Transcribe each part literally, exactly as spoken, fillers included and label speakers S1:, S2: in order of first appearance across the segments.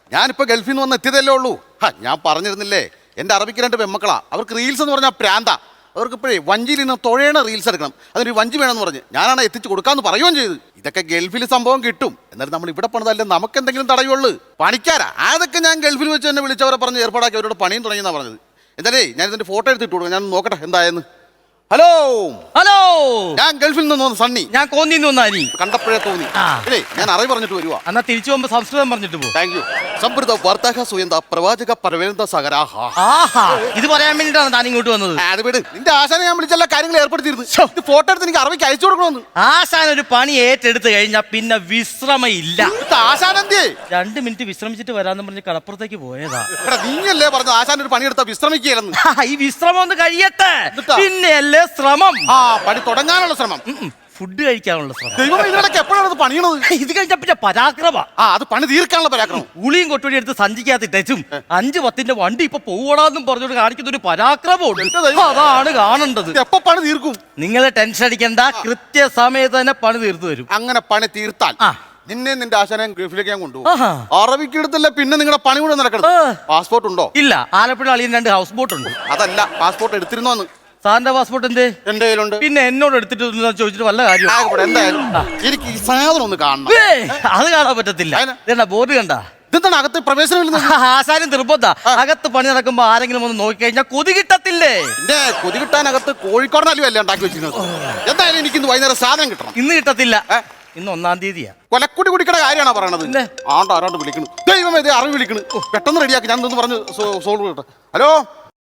S1: ഞാനിപ്പോ ഗൾഫിൽ നിന്ന് വന്ന് എത്തിയതല്ലേ ഉള്ളൂ. ഞാൻ പറഞ്ഞിരുന്നില്ലേ എന്റെ അറബിക്ക് രണ്ട് പെമ്മക്കളാ. അവർക്ക് റീൽസ് എന്ന് പറഞ്ഞാൽ പ്രാന്ത. അവർക്ക് ഇപ്പോഴേ വഞ്ചിയിൽ നിന്ന് തുഴയണ റീൽസ് എടുക്കണം. അതിനൊരു വഞ്ചി വേണമെന്ന് പറഞ്ഞ് ഞാനാണ് എത്തിച്ചു കൊടുക്കാന്ന് പറയുകയും ചെയ്ത്. ഇതൊക്കെ ഗൾഫിൽ സംഭവം കിട്ടും. എന്നാലും നമ്മൾ ഇവിടെ പണിതല്ലേ നമുക്ക് എന്തെങ്കിലും തടയുള്ളൂ. പണിക്കാരാ അതൊക്കെ ഞാൻ ഗൾഫിൽ വെച്ച് തന്നെ വിളിച്ചവരെ പറഞ്ഞ് ഏർപ്പാടാക്കി അവരോട് പണിയും തുടങ്ങിയെന്നാണ് പറഞ്ഞത്. എന്തായാലേ ഞാൻ ഇതിന്റെ ഫോട്ടോ എടുത്തിട്ട് കൊടുക്കാം. ഞാൻ നോക്കട്ടെ എന്തായെന്ന്. ഹലോ
S2: ഹലോ,
S1: ഞാൻ ഗൾഫിൽ നിന്ന് വന്നു സണ്ണി.
S2: ഞാൻ കോന്നിന്ന് വന്നാനി.
S1: കണ്ടപ്പോഴേ തോന്നി. അല്ലേ ഞാൻ അറിവ് പറഞ്ഞിട്ട് വരുവാ.
S2: എന്നാ തിരിച്ചു പോകുമ്പോ സംസ്കൃതം പറഞ്ഞിട്ട് പോകും.
S1: Thank you. സമൃദ്ധ വാർത്താഹ സുയന്ത പ്രവാചക പരവേന്ദ സഹരാഹ.
S2: ആഹാ, ഇത് പറയാൻ വേണ്ടിട്ടാണ് താൻ ഇങ്ങോട്ട് വന്നത്.
S1: അത് വിട്. നിന്റെ ആശാനെ ഞാൻ വിളിച്ചെല്ലാ കാര്യങ്ങൾ ഏർപ്പെടുത്തിയിരുന്നു. ഇത് ഫോട്ടോ എടുത്ത് എനിക്ക് അറബിക്ക് അയച്ചു കൊടുക്കണമെന്ന്.
S2: ആശാൻ ഒരു പണി ഏറ്റെടുത്ത് കഴിഞ്ഞാൽ പിന്നെ വിശ്രമയില്ല.
S1: ആശാൻ എന്തേ?
S2: രണ്ട് മിനിറ്റ് വിശ്രമിച്ചിട്ട് വരാന്ന് പറഞ്ഞ് കടപ്പുറത്തേക്ക് പോയതാ.
S1: നീയല്ലേ പറഞ്ഞു ആശാൻ ഒരു പണിയെടുത്താ വിശ്രമിക്കുകയായിരുന്നു.
S2: ഈ വിശ്രമം ഒന്ന് കഴിയട്ടെ, പിന്നെയല്ലേ ശ്രമം.
S1: ആ പണി തുടങ്ങാനുള്ള ശ്രമം,
S2: ഫുഡ് കഴിക്കാനുള്ള ശ്രമം.
S1: ദൈവം ഇതിനൊക്കെ എപ്പോഴാണ് പണിയണത്?
S2: ഇത് കഴിഞ്ഞ പിന്നെ പരാക്രമ.
S1: ആ അത് പണി തീർക്കാനുള്ള പരാക്രമം.
S2: ഉളിയും കൊട്ടുപടി എടുത്ത് സഞ്ചിക്കാത്തിട്ടും അഞ്ച് പത്തിന്റെ വണ്ടി ഇപ്പൊ പോവടാന്നും പറഞ്ഞോട് കാണിക്കുന്ന ഒരു പരാക്രമമുണ്ട്. അതാണ് കാണേണ്ടത്.
S1: എപ്പോ പണി തീർക്കും?
S2: നിങ്ങളെ ടെൻഷൻ അടിക്കണ്ട, കൃത്യസമയത്ത് തന്നെ പണി തീർത്തു വരും.
S1: അങ്ങനെ പണി തീർത്താൽ നിന്നെ നിന്റെ ആശാനെ ഗൾഫിലേക്ക് ഞാൻ കൊണ്ടുപോകും. അറബിക്ക് എടുത്തല്ല പിന്നെ നിങ്ങളുടെ പണി കൂടെ നടക്കണം. പാസ്പോർട്ട് ഉണ്ടോ?
S2: ഇല്ല, ആലപ്പുഴ അളിയൻ രണ്ട് ഹൗസ് ബോട്ട് ഉണ്ട്.
S1: അതല്ല, പാസ്പോർട്ട് എടുത്തിരുന്നോന്ന്.
S2: സാറിന്റെ പാസ്പോർട്ട് എന്തേ?
S1: എന്റെ കയ്യിലുണ്ട്.
S2: പിന്നെ എന്നോട് എടുത്തിട്ട് ചോദിച്ചിട്ട് വല്ല കാര്യം?
S1: എന്തായാലും എനിക്ക് ഈ സാധനം ഒന്ന് കാണണം.
S2: അത് കാണാൻ പറ്റത്തില്ല. ബോർഡ് കണ്ട
S1: ഇതെന്താണ് അകത്ത് പ്രവേശനം?
S2: ആശാനും നിർബന്ധ. അകത്ത് പണി നടക്കുമ്പോ ആരെങ്കിലും ഒന്ന് നോക്കിക്കഴിഞ്ഞാൽ കൊതി കിട്ടത്തില്ലേ?
S1: എന്റെ കൊതി കിട്ടാനകത്ത് കോഴിക്കോടനല്ലോ അല്ലേ ഉണ്ടാക്കി വെച്ചിരുന്നത്. എന്തായാലും എനിക്ക് ഇന്ന് വൈകുന്നേരം സാധനം കിട്ടണം.
S2: ഇന്ന് കിട്ടത്തില്ല, ഇന്ന് ഒന്നാം തീയതിയാ.
S1: കൊലക്കുടി കുടിക്കണ കാര്യമാണോ പറയണത്? ആണ്ട് ആരാണ്ട് വിളിക്കണു. ദൈവമേ ഇത് അറിവ് വിളിക്കണു. പെട്ടെന്ന് റെഡിയാക്കി. ഞാൻ ഒന്ന് പറഞ്ഞ് സോൾവ് ചെയ്യട്ടെ. ഹലോ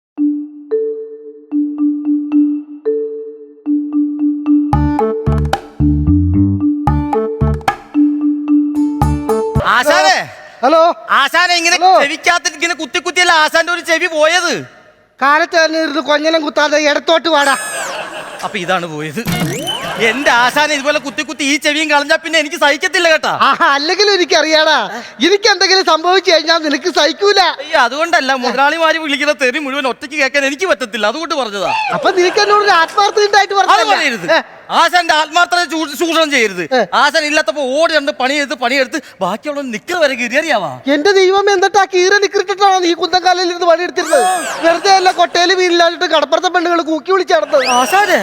S2: ആശാനെ.
S3: ഹലോ
S2: ആശാനെ, ഇങ്ങനെ ചെവിക്കാത്ത ഇങ്ങനെ കുത്തി കുത്തിയല്ല ആശാന്റെ ഒരു ചെവി പോയത്.
S3: കാലത്ത് തന്നെ ഇരുന്ന് കൊഞ്ഞനം കുത്താതെ ഇടത്തോട്ട് വാടാ.
S2: അപ്പൊ ഇതാണ് പോയത്. എന്റെ ആശാനെ ഇതുപോലെ കുത്തി കുത്തി ഈ ചെവിയും കളഞ്ഞാ പിന്നെ എനിക്ക് സഹിക്കത്തില്ല കേട്ടാ.
S3: ആഹാ, അല്ലെങ്കിലും എനിക്കറിയാടാ, എനിക്ക് എന്തെങ്കിലും സംഭവിച്ചു കഴിഞ്ഞാൽ നിനക്ക് സഹിക്കൂല.
S2: അയ്യോ, അതുകൊണ്ടല്ല, മുതലാളിമാര് വിളിക്കുന്ന തെറി മുഴുവൻ ഒറ്റയ്ക്ക് കേൾക്കാൻ എനിക്ക് പറ്റത്തില്ല, അതുകൊണ്ട് പറഞ്ഞതാ.
S3: അപ്പൊ നിനക്ക് എന്നോട് ആത്മാർത്ഥ ഉണ്ടായിട്ട്
S2: പറയരുത്. ആശാന്റെ ആത്മാർത്ഥത ചൂഷണം ചെയ്യരുത്. ആശാൻ ഇല്ലാത്തപ്പോ ഓടി കണ്ട് പണിയെടുത്ത് പണിയെടുത്ത് ബാക്കിയുള്ള നിക്കർ വരെ കീറിയറിയാവാ.
S3: എന്റെ ദൈവം, എന്നിട്ട് ആ കീറ നിക്കറിട്ടാണോ നീ കുന്തക്കാലിൽ ഇരുന്ന് പണിയെടുത്തിരുന്നത്? വെറുതെ അല്ല കൊട്ടയില് വീലില്ലാണ്ടിട്ട് കടപ്പുറത്തെ പെണ്ണുകൾ കൂക്കി വിളിച്ച് നടന്നത്.
S2: ആശാനെ,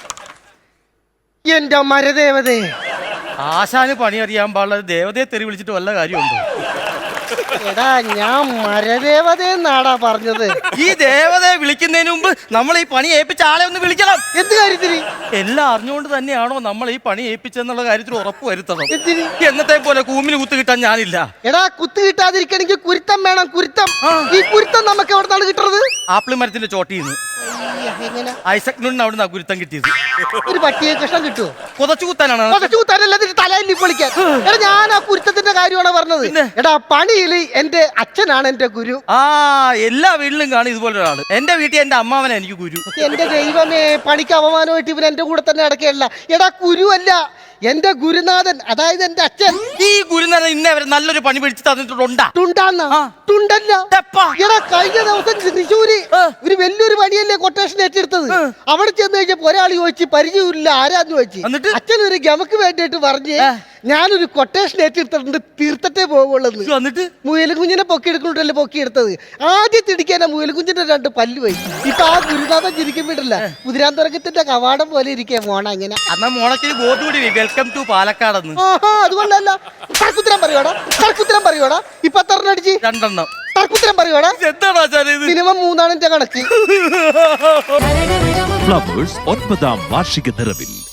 S3: എന്റെ മരദേവതേ,
S2: ആശാന് പണി അറിയാൻ പാടില്ല ദേവതയെ തെറി വിളിച്ചിട്ട് വല്ല കാര്യമുണ്ടോ?
S3: എടാ, ഞാൻ മരദേവതയെന്നാടാ പറഞ്ഞത്.
S2: ഈ ദേവതയെ വിളിക്കുന്നതിന് മുമ്പ് നമ്മൾ ഈ പണി ഏൽപ്പിച്ച ആളെ ഒന്ന് വിളിക്കണം.
S3: എന്ത് കാര്യത്തിന്?
S2: എല്ലാം അറിഞ്ഞുകൊണ്ട് തന്നെയാണോ നമ്മൾ ഈ പണി ഏൽപ്പിച്ചെന്നുള്ള കാര്യത്തിൽ ഉറപ്പ് വരുത്തണം. എന്നത്തെ പോലെ കൂമിന് കുത്ത് കിട്ടാൻ ഞാനില്ല.
S3: എടാ, കുത്ത് കിട്ടാതിരിക്കണെങ്കിൽ കുരുത്തം വേണം, കുരുത്തം. ഈ കുരുത്തം നമുക്ക് എവിടുന്നാണ് കിട്ടുന്നത്?
S2: ആപ്പിൾ മരത്തിന്റെ ചോട്ടിന്ന്. ഐസക് ന്യൂട്ടൻ അവിടുന്ന് ഗുരുത്തം കിട്ടിയത്.
S3: ഒരു പട്ടിയെ കഷ്ണം കിട്ടുമോ?
S2: കൊതച്ചു കുത്താനാണ്.
S3: കൊതച്ചു കുത്താനല്ല, തലയിൽ പൊളിക്കാൻ. എടാ, ഞാൻ ആ കുരുത്തത്തിന്റെ കാര്യമാണ് പറഞ്ഞത്. എടാ, പണിയിൽ എന്റെ അച്ഛനാണ് എന്റെ ഗുരു.
S2: ആ, എല്ലാ വീട്ടിലും കാണും ഇതുപോലെ ഒരാള്. എന്റെ വീട്ടിൽ എന്റെ അമ്മാവനെ എനിക്ക് ഗുരു.
S3: എന്റെ ദൈവമേ, പണിക്ക് അപമാനമായിട്ട് ഇവൻ എന്റെ കൂടെ തന്നെ അടക്കുകയല്ല. എടാ, ഗുരു അല്ല, എന്റെ ഗുരുനാഥൻ, അതായത് എന്റെ അച്ഛൻ.
S2: ഈ ഗുരുനാഥൻ ഇന്നേ വരെ നല്ലൊരു പണി പിടിച്ച് തന്നിട്ടുണ്ടാ?
S3: തുണ്ടാന്ന തുണ്ടല്ല. എടാ, കഴിഞ്ഞ ദിവസം തൃശ്ശൂര് ഒരു വലിയൊരു പണിയല്ലേ കൊട്ടേഷൻ ഏറ്റെടുത്തത്. അവിടെ ചെന്ന് കഴിഞ്ഞപ്പോ ഒരാൾ ചോദിച്ചു, പരിചയമില്ല, ആരാന്ന് ചോദിച്ചു. അച്ഛൻ ഒരു ഗമക്ക് വേണ്ടിയിട്ട് പറഞ്ഞ് ഞാനൊരു കൊട്ടേഷൻ ഏറ്റെടുത്തിട്ടുണ്ട്, തീർത്തിട്ടേ പോകുള്ളൂ.
S2: എന്നിട്ട്
S3: മുയലുകുഞ്ഞിനെ പൊക്കി എടുക്കണ്ടല്ലേ പൊക്കി എടുത്തത്. ആദ്യം തിടിക്കാനാ മുയലുകുഞ്ഞിന്റെ രണ്ട് പല്ല് പോയി. ഇപ്പൊ ആ ഗുരുനാഥൻ ചിരിക്കും വിടില്ല, കുതിരാന്തരകത്തിന്റെ കവാടം പോലെ ഇരിക്കേ മോണ. അങ്ങനെ
S2: എന്നാ മോണക്കിന് ബോർഡ് കൂടി വെൽക്കം ടു പാലക്കാടെന്ന്.
S3: അതുകൊണ്ടല്ല, തർക്കുത്തരം പറയോടാ, തർക്കുത്തരം പറയോടാ. ഇപ്പൊ എത്രണ്ണടിച്ച്?
S2: രണ്ടെണ്ണം.
S3: തർക്കുത്തരം പറയോടാ.
S2: എന്താണ്
S3: മിനിമം മൂന്നാണ് എന്റെ കണക്ക്.
S4: ഫ്ലവേഴ്സ് ഒൻപതാം വാർഷിക നിറവിൽ